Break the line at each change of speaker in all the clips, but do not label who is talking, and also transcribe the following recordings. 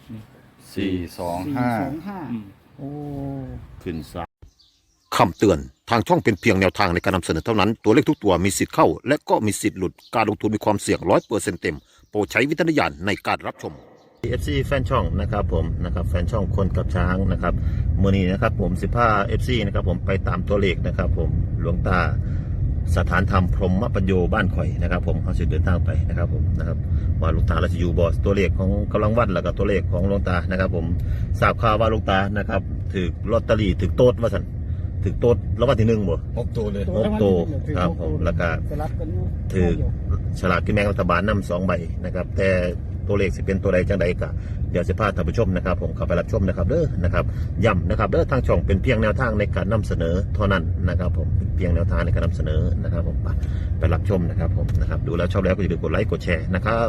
425โอ้
ขึ้นซ้ายคำเตือนทางช่องเป็นเพียงแนวทางในการนำเสนอเท่านั้นตัวเลขทุกตัวมีสิทธิ์เข้าและก็มีสิทธิ์หลุดการลงทุนมีความเสี่ยง100%เต็มโปรดใช้วิจารณญาณในการรับชม FC แฟนช่องนะครับผมนะครับแฟนช่องคนกับช้างนะครับมื้อนี้นะครับผม15 FC นะครับผมไปตามตัวเลขนะครับผมหลวงตาสถานธรรมพรหมปัญโยบ้านข่อยนะครับผมเขาจะเดินทางไปนะครับผมนะครับว่าหลวงตาเราจะอยู่บอสตัวเลขของกำลังวัดแล้วก็ตัวเลขของหลวงตานะครับผมทราบข่าวว่าหลวงตานะครับถือลอตเตอรี่ถือโต๊ดว่าสันถือโต๊ดแล้ววันที่1บ่
6 ตัวเลย
6 ตัวครับผมแล้วก็ถือฉลากกินแบ่งรัฐบาลนำ2 ใบนะครับแต่ตัวเลขสิเป็นตัวใดจังใดก็เดี๋ยวจะพาท่านผู้ชมนะครับผมเข้าไปรับชมนะครับเด้อนะครับย้ำนะครับเด้อทางช่องเป็นเพียงแนวทางในการนำเสนอเท่านั้นนะครับผมเป็นเพียงแนวทางในการนำเสนอนะครับผมไปรับชมนะครับผมนะครับดูแล้วชอบแล้วก็อย่าลืมกดไลค์กดแชร์นะครับ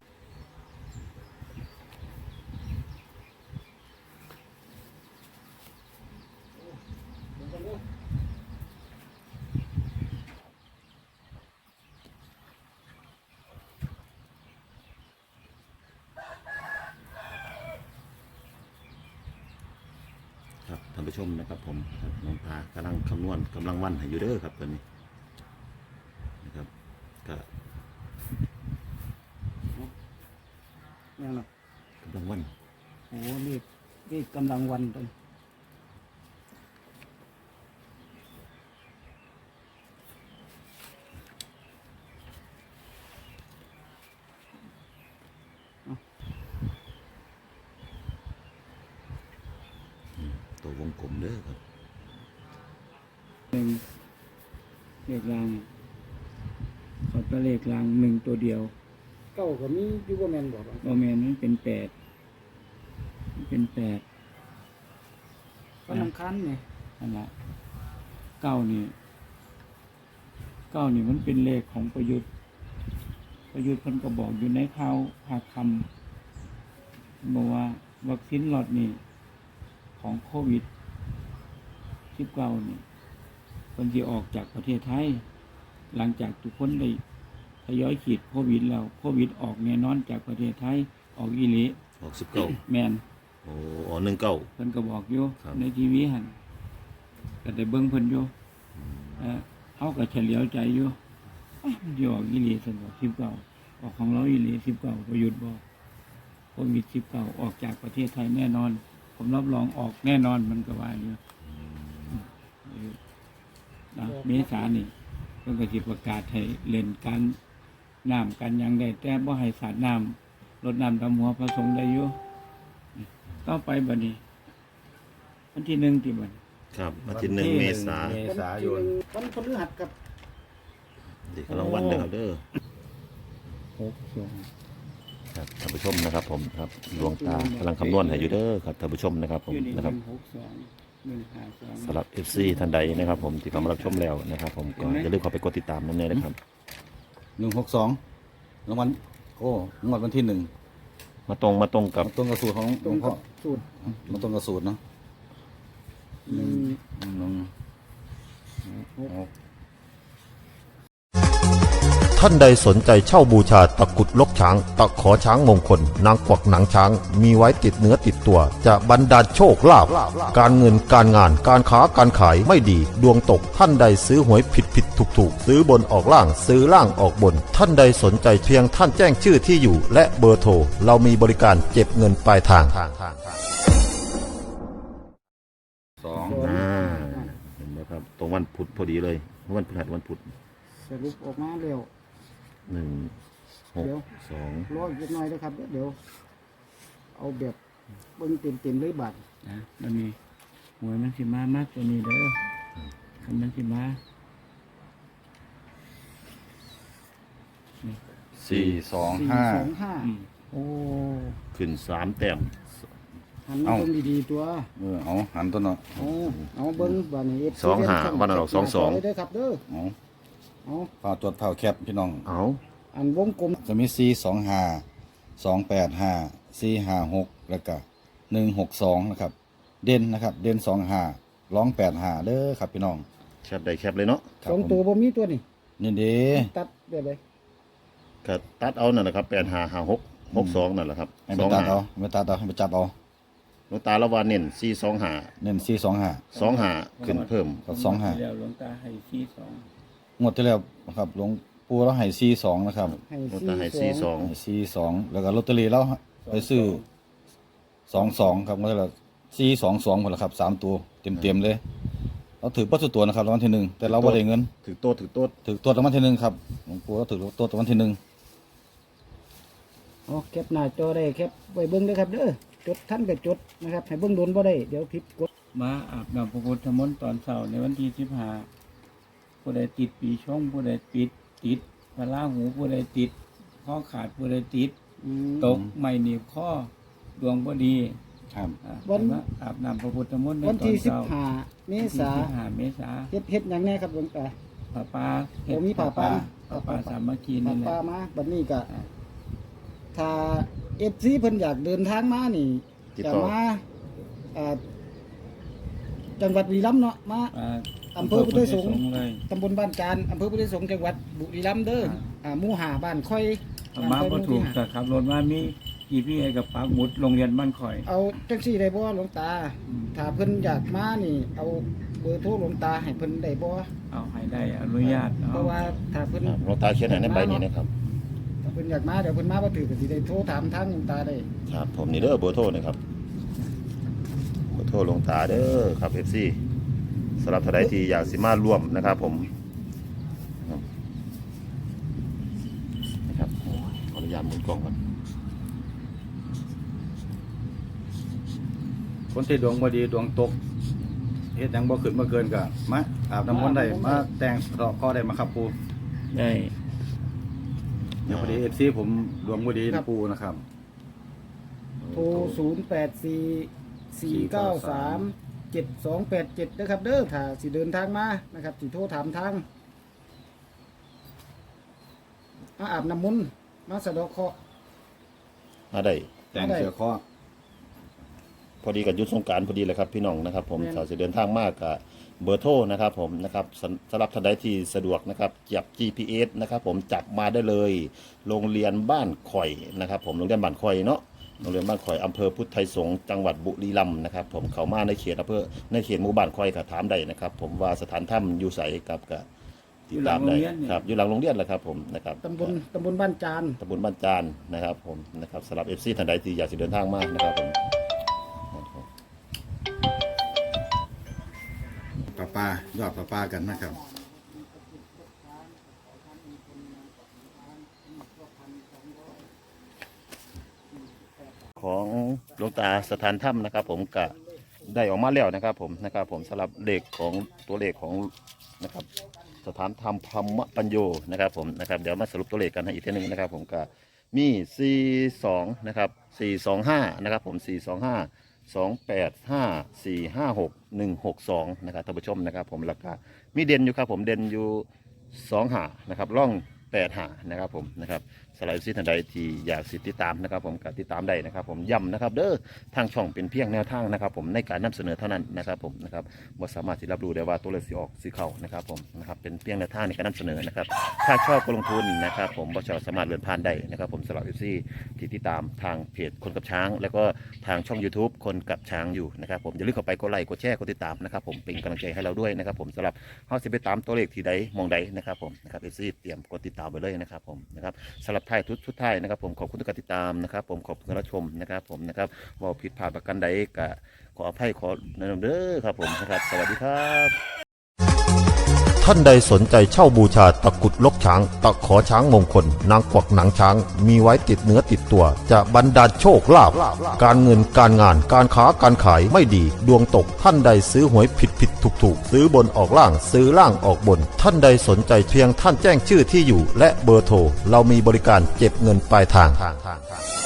ครับท่านผู้ชมนะครับผมน้องตากำลังคำนวณกำลังวันให้อยู่เด้อครับตอนนี้นะครับก็
ยังไง
กำลังวัน
โอ้นี่กำลังวันตรง
ตัววงกลมเด้อครับ
เลขรางขอตัวเลขราง1ตัวเดียวเก้าก็มียูโบแมนบอกว่าแมนมันเป็น8ก็นำคันไงนั่นแหละเก้านี่มันเป็นเลขของประยุทธ์เพิ่นก็บอกอยู่ในข่าวภาคคำบอกว่าวัคซีนล็อตนี้ของโควิด19นี่คนที่ออกจากประเทศไทยหลังจากทุกคนได้ทยอยฉีดโควิดแล้วโควิดออกแน่นอนจากประเทศไทยออกอีหลี
ออก19
แม่น
โอ้19เ
พิ่นก็บอกอยู่ในทีวีหั่นก็ได้เบิ่งเพิ่นอยู่เฮาก็เฉลียวใจอยู่มันสิออกอีหลีซั่นบ่19ออกของเราอีหลี19ประยุทธ์บอกโควิด19ออกจากประเทศไทยแน่นอนผมรับรองออกแน่นอนมันก็ว่าอยู่เมษานี่เพิ่นก็สิประกาศให้เล่นการน้ำกันยังได้แต่บ่ให้สาดน้ำรดน้ำดำหัวพระสงฆ์ได้อยู่ต่อไปบัดนี้วันที่1ที่บัด
ครับวันที่1 เมษายน
วันพฤหัสกับ
นี่กำลังวันเด้อครับเด้อครับท่านผู้ชมนะครับผมครับดวงตากำลังคำนวณให้อยู่เด้อครับท่านผู้ชมนะครับผมนะครับสำหรับ FC ท่านใดนะครับผมที่เข้ามารับชมแล้วนะครับผมก็อย่าลืมเข้าไปกดติดตามนั่นเองนะครับ
162รางวัลโอ้งวดวันที่1
มาตรงกับ
ตรงกับสูตรของหลวงพ่อ
สูตร
มาตรงกับสูตรเนาะ
ท่านใดสนใจเช่าบูชาตะกุดลกช้างตะขอช้างมงคลนางกวักหนังช้างมีไว้ติดเนื้อติดตัวจะบรรดาลโชคลาภการเงินการงานการค้าการขายไม่ดีดวงตกท่านใดซื้อหวยผิดถูกซื้อบนออกล่างซื้อล่างออกบนท่านใดสนใจเพียงท่านแจ้งชื่อที่อยู่และเบอร์โทรเรามีบริการเก็บเงินปลายทางเห็นไหมครับตรงวันพุธพอดีเลยวันพฤหัสวันพุธ
สรุปออกมาเร็ว
162
รออีกหน่อยนะครับเดี๋ยวเอาแบบเบิ่งเต็มเลยบัดนะมันมีหวยมันสิมามากตัวนี้เด้อมันสิมา
425
โอ้
ขึ้น3 แต้ม
หันเบิ่งดีๆตัว
เอาหันตัวเนาะ
เอาเบิ่งบัดนี้
25วันออก22
เด้อครับเด้อ
ฝ่าจดเท่าแคบพี่น้อง
อันวงกลม
จะมี425 285 456แล้วก็162นะครับเด่นนะครับเด่น25ร้อง85เด้อครับพี่น้อง
แคบได้แคบเลยเนาะ
2ตัวบ่มีตัวนี่
นี่เด้
ตัดได้เลย
ก็ตัดเอานั่นแหละครับ8556 62นั่นแหละครับ
ให้ไปตัดเอาให้ไปตัดเอาให้ไปจับเอา
หลวงตาละว่าเน้น425
เน้น425
25ขึ้นเพิ่ม
กับ
งวดที่
25
แล้วหลวงตาให้ที่สอง
งวดที่แล้วครับหลวงปู่เราให้42นะครับ
หลวงตาให้
ให้42แล้วก็ลอตเตอรี่เราไปซื้อ22ครับงวดที่แล้ว422พุ่นล่ะครับ3ตัวเต็มๆเลยเราถือปัสสุตัวนะครับรางวัลที่หนึ่งแต่เราบ่ได้เงิน
ถือโต๊ะ
ถือตัวรางวัลที่หนึ่งครับหลวงปู่เราถือตัวรางวัลที่หนึ่ง
อ๋อแคปหน้าจอได้แคปไว้เบิ่งเด้อครับเด้อจดท่านก็จดนะครับให้เบิ่งโดนบ่ได้เดี๋ยวผิดกฎ
มาอาบน้ำพระพุทธมนต์ตอนเช้าในวันที่15ผู้ใดติดปีชงผู้ใดติดพระราหูผู้ใดติดข้อขาดผู้ใดติดตกไม่หนีบข้อดวงบ่ดี
ครับ
มาอาบน้ำพระพุทธมนต์ใน
วัน
ตอน
ที่
เช้า
15เมษา
15 เมษา
เฮ็ดหยังแน่ครับหลวงตา
ป้าป้า
โอ้มีผ้าป่า
ป้าสามัคคี
มา
นี่แหละ
ป้ามาบัดนี้ก็ถ้า FC เพิ่นอยากเดินทางมานี่
ติด
จะ
ต่อ
มาอ่าจังหวัดบุรีรัมย์เนาะมา อำเภอพุทธสงฆ์
เลย
ตำบลบ้านจานอำเภอพุทธสงฆ์จังหวัดบุรีรัมย์เด้อหมู่5บ้านค่อย
มาบ่ถูก
บ้านค่
แต่
อย
ขับรถมามีกี่พี่ให้กับปากหมุดโรงเรียนบ้านข่อย
เอาจังซี่ได้บ่หลวงตา ถ้าเพิ่นอยากมานี่ เอาเบอร์โทรหลวงตาให้เพิ่นได้บ่
เอาให้ได้อนุญาต
เพราะว่าถ้าเพิ่น
ครับหลวงตาเขียนให้ในใบนี้นะครับ
ถ้าเพิ่นอยากมาเดี๋ยวเพิ่นมาบ่ถือก็สิได้โทรถามทางหลวงตาได้
ครับผมนี่เด้อเบอร์โทรนะครับเบอร์โทรหลวงตาเด้อครับ FC สำหรับท่านใดที่อยากสิมาร่วมนะครับผมนะครับขออนุญาตหมุนกล้องก่อน
คนที่ดวงบ่ดีดวงตกเฮ็ดหยังบ่ขึ้นบ่เกินก็มาอาบน้ำมนต์ได้มาแต่งสะเดาะเคราะห์ได้มาครับปู่
ได้
เดี๋ยวพอดี FC ผมดวงบ่ดีนะปู่นะครับ
โทร0844937287นะครับเด้อถ้าสิเดินทางมานะครับสิโทรถามทางมาอาบน้ำมนต์มาสะเดาะเคราะห์
มาได้
แต่งเสื้อเคราะห์
พอดีกับยุทธสงกรารพอดีเลยครับพี่น้องนะครับผมถ้าจะเดินทางมากกับเบอร์โทรนะครับผมนะครับสำหรับท่านใดที่สะดวกนะครับจับ GPS นะครับผมจับมาได้เลยโรงเรียนบ้านข่อยนะครับผมโรงเรียนบ้านข่อยเนาะโรงเรียนบ้านข่อยอำเภอพุทธไทยสงฆ์จังหวัดบุรีรัมย์นะครับผมเข้ามาในเขตอำเภอในเขตหมู่บ้านข่อยก็ถามได้นะครับผมว่าสถานถ้ำอยู่ไสกับติดตามได้ครับอยู่หลังโรงเรียนแหละครับผมนะครับ
ตำบลบ้านจาน
ตำบลบ้านจานนะครับผมนะครับสำหรับ FC ท่านใดที่อยากจะเดินทางมานะครับผม
ปลายอดปลากันนะครับ
ของหลวงตาสถานถ้ำนะครับผมก็ได้ออกมาแล้วนะครับผมสำหรับเลขของตัวเลขของนะครับสถานธรรมธรรมปัญโยนะครับผมนะครับเดี๋ยวมาสรุปตัวเลขกันให้อีกทีหนึงนะครับผมก็มี42นะครับ425นะครับผม425 285 456 162นะครับท่านผู้ชมนะครับผมแล้วก็มีเด่นอยู่ครับผมเด่นอยู่2หานะครับร่อง8หานะครับผมนะครับสไลด์ซีทันใดที่อยากติดตามนะครับผมก็ติดตามได้นะครับผมย้ำนะครับเด้อทางช่องเป็นเพียงแนวทางนะครับผมในการนำเสนอเท่านั้นนะครับผมนะครับบ่สามารถที่รับรู้ได้ว่าตัวเลขสิออกสิเข้านะครับผมนะครับเป็นเพียงแนวทางในการนำเสนอนะครับถ้าชอบก็ลงทุนนะครับผมบ่ชอบสามารถเลื่อนผ่านได้นะครับผมสำหรับ FC ที่ติดตามทางเพจคนกับช้าง แล้วก็ทางช่อง YouTube คนกับช้างอยู่นะครับผมอย่าลืมเข้าไปกดไลค์กดแชร์กดติดตามนะครับผมเป็นกำลังใจให้เราด้วยนะครับผมสำหรับเฮาสิไปตามตัวเลขที่ใดมองใดนะครับผมนะครับ FC เตรียมกดติดตามไปเลยนะครับผมนะครับสำหรับท้ายทุกท้ายนะครับผมขอบคุณทุกการติดตามนะครับผมขอบคุณรับชมนะครับผมนะครับว่าผิดพลาดประกันใดก็ขออภัยขอแนะนำเด้อครับผมนะครับสวัสดีครับ
ท่านใดสนใจเช่าบูชาตะกรุดลกช้าง ตะขอช้างมงคล นางกวักหนังช้าง มีไว้ติดเนื้อติดตัว จะบรรดาลโชคลาภการเงินการงานการค้าการขายไม่ดี ดวงตกท่านใดซื้อหวยผิดถูกซื้อบนออกล่างซื้อล่างออกบน ท่านใดสนใจเพียงท่านแจ้งชื่อที่อยู่ และเบอร์โทรเรามีบริการเก็บเงินปลายทาง